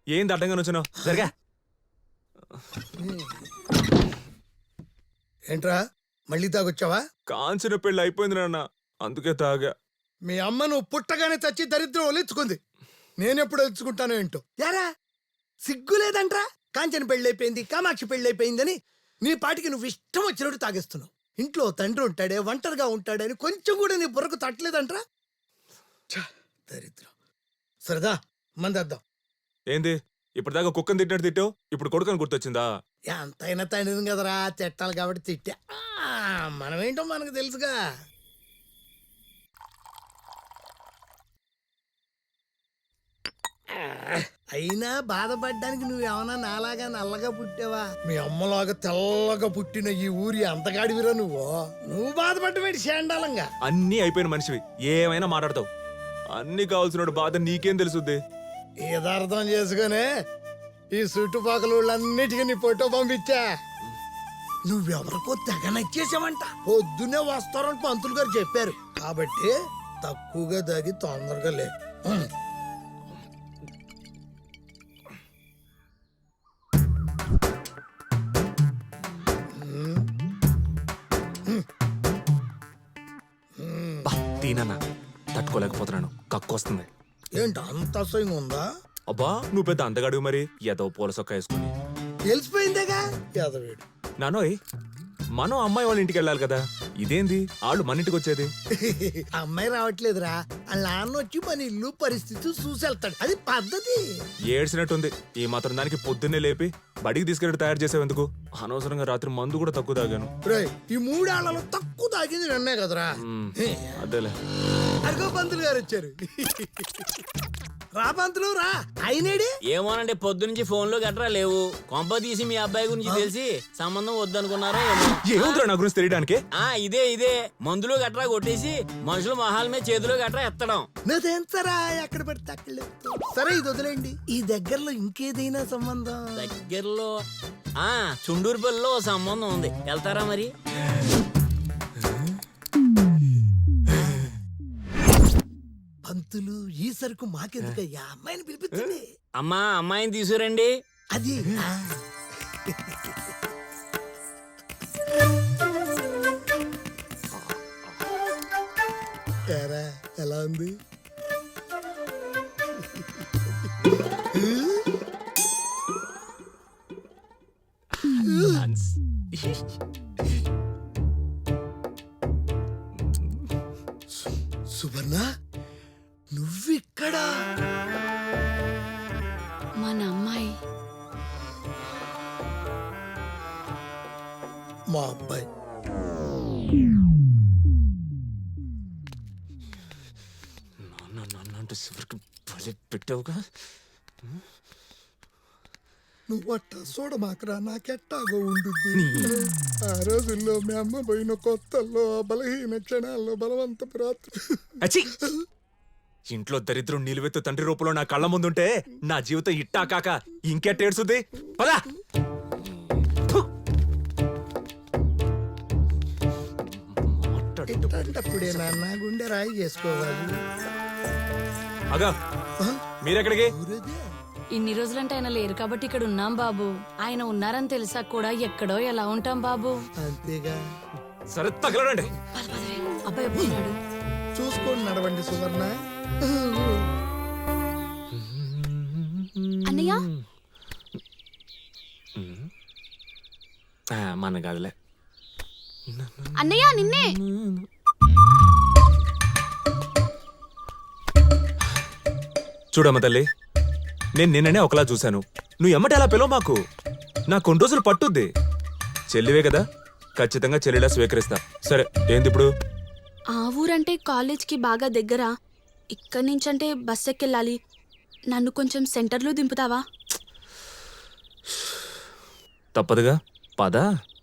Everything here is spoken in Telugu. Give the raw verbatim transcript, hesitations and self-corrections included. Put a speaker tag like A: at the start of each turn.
A: ఏంది అడ్డంగా నుంచున్నావు? సరిగా
B: ఏంట్రా మళ్ళీ తాగొచ్చావా?
A: కాంచిన పెళ్ళి అయిపోయింది నాన్న, అందుకే తాగా.
B: మీ అమ్మ నువ్వు పుట్టగానే చచ్చి దరిద్రం ఒలిచుకుంది. నేనెప్పుడు ఒలుచుకుంటానో ఏంటో. యారా సిగ్గు లేదంట్రా? కాంచన పెళ్ళైపోయింది, కామాక్షి పెళ్ళైపోయిందని నీ పాటికి నువ్వు ఇష్టం వచ్చినట్టు తాగేస్తున్నావు. ఇంట్లో తండ్రి ఉంటాడే, ఒంటరిగా ఉంటాడని కొంచెం కూడా నీ బుర్రకు తట్టలేదంట్రా. దరిద్రం. సరదా మందేద్దాం.
A: ఏంది ఇప్పటిదాకా కుక్కని తిట్టినట్టు తిట్టావు, ఇప్పుడు కొడుకని గుర్తొచ్చిందా?
B: ఎంతైనా తండ్రిని కదరా, తిట్టాలి కాబట్టి తిట్టా. మనమేంటో మనకు తెలుసుగా. అయినా బాధపడ్డానికి నువ్వేమన్నా నాలాగా నల్లగా పుట్టావా? మీ అమ్మలాగా తెల్లగా పుట్టిన ఈ ఊరి అంతగాడివిరా నువ్వు. నువ్వు బాధపడ్డవేటి శాండాలంగా.
A: అన్నీ అయిపోయిన మనిషివి, ఏమైనా మాట్లాడతావు. అన్ని కావాల్సిన బాధ నీకేం తెలుసుద్ది?
B: ఏదో అర్థం చేసుకునే ఈ చుట్టుపక్కల ఊళ్ళన్నిటికీ నీ ఫోటో పంపించా. నువ్వెవరికో తెగ నచ్చేసావంట. పొద్దున్నే వస్తారని పంతులు గారు చెప్పారు. కాబట్టి తక్కువగా దాగి తొందరగా లే.
A: తీనన్నా తట్టుకోలేకపోతున్నాను, కక్కొస్తుంది.
B: ఏంటి అంత అసహ్యంగా ఉందా?
A: అబ్బా నువ్వు పెద్ద అందగాడు మరి, ఏదో పూల సొక్క వేసుకుని.
B: తెలిసిపోయిందేగా యాదవేడు.
A: నానోయ్, మనం అమ్మాయి వాళ్ళ ఇంటికి వెళ్ళాలి కదా, ఇదేంది వాళ్ళు మన ఇంటికి వచ్చేది?
B: అమ్మాయి రావట్లేదురా, వాళ్ళ నాన్న వచ్చి మన ఇల్లు పరిస్థితి చూసెళ్తాడు, అది పద్ధతి.
A: ఏడ్చినట్టుంది. ఈ మాత్రం దానికి పొద్దున్నే లేపి బడికి తీసుకెళ్ళి తయారు చేసేందుకు. అనవసరంగా రాత్రి మందు కూడా తక్కువ తాగాను.
B: ఈ మూడేళ్లలో తక్కువ తాగింది నన్నే కదరా.
A: అదేలే.
B: అర్గో పంతులు గారు వచ్చారు. రా పంతులు రా. అయినేడి
C: ఏమోనండి, పొద్దు నుంచి ఫోన్ లో గట్రా లేవు. కొంప తీసి మీ అబ్బాయి గురించి తెలిసి సంబంధం వద్దనుకున్నారో ఏమో.
A: ఏముందిరా నా గురించి తెలియడానికి?
C: ఆ ఇదే ఇదే మందులు గట్రా కొట్టేసి మనుషుల మొహాల మీద చేతులు గట్రా ఎత్తడం.
B: నాదేంతరా ఎక్కడ పెడితే అక్కడ. సరే ఇది వదిలేండి, ఈ దగ్గరలో ఇంకేదైనా సంబంధం?
C: దగ్గరలో ఆ చుండూరుపల్లిలో ఓ సంబంధం ఉంది, వెళ్తారా మరి?
B: పంతులు ఈ సరుకు మాకెందుకయ్యా, అమ్మాయిని పిలిపించండి.
C: అమ్మా అమ్మాయిని తీసుకురండి.
B: అది ఏరా ఎలా ఉంది? సువర్ణ నువ్విక్కడా?
D: మన అమ్మాయి
B: మా అబ్బాయి.
A: పెట్టావుగా
B: నువ్వు అట్ట చూడమాకరా, నాకెట్టాగో ఉండుద్ది. ఆ రోజుల్లో మీ అమ్మ పోయిన కొత్తల్లో బలహీన క్షణాల్లో బలవంతపు రాత్రి.
A: ఇంట్లో దరిద్రం నిలువెత్తు తండ్రి రూపంలో నా కళ్ళ ముందుంటే నా జీవితం ఇట్టా కాక ఇంకెట్టేడుస్తుంది. పదా
B: అప్పుడే నాన్న గుండె రాయి చేసుకోవాలి.
A: అగా మీరెక్కడికి?
D: ఇన్ని రోజులంటే ఆయన లేరు కాబట్టి ఇక్కడ ఉన్నాం బాబు. ఆయన ఉన్నారని తెలిసా కూడా ఎక్కడో ఎలా ఉంటాం బాబు.
B: అంతేగా.
A: సరే తగలడండి.
D: అబ్బాయి ఎప్పుడున్నాడు?
B: చూసుకోండి నడవండి సువర్ణ.
D: అన్నయ్య
A: మన కాదులే.
D: అన్నయ్య నిన్నే.
A: చూడమ్మ తల్లి, నేను నిన్ననే ఒకలా చూశాను. నువ్వు ఎమ్మటి అలా పిలవ మాకు. నా కొన్ని రోజులు పట్టుద్ది. చెల్లివే కదా, ఖచ్చితంగా చెల్లిలా స్వీకరిస్తా. సరే ఏంది ఇప్పుడు?
E: ఆ ఊరంటే కాలేజ్కి బాగా దగ్గర. ఇక్కడి నుంచంటే బస్ ఎక్కెళ్ళాలి. నన్ను కొంచెం సెంటర్లో దింపుతావా?
A: తప్పదుగా, పదా.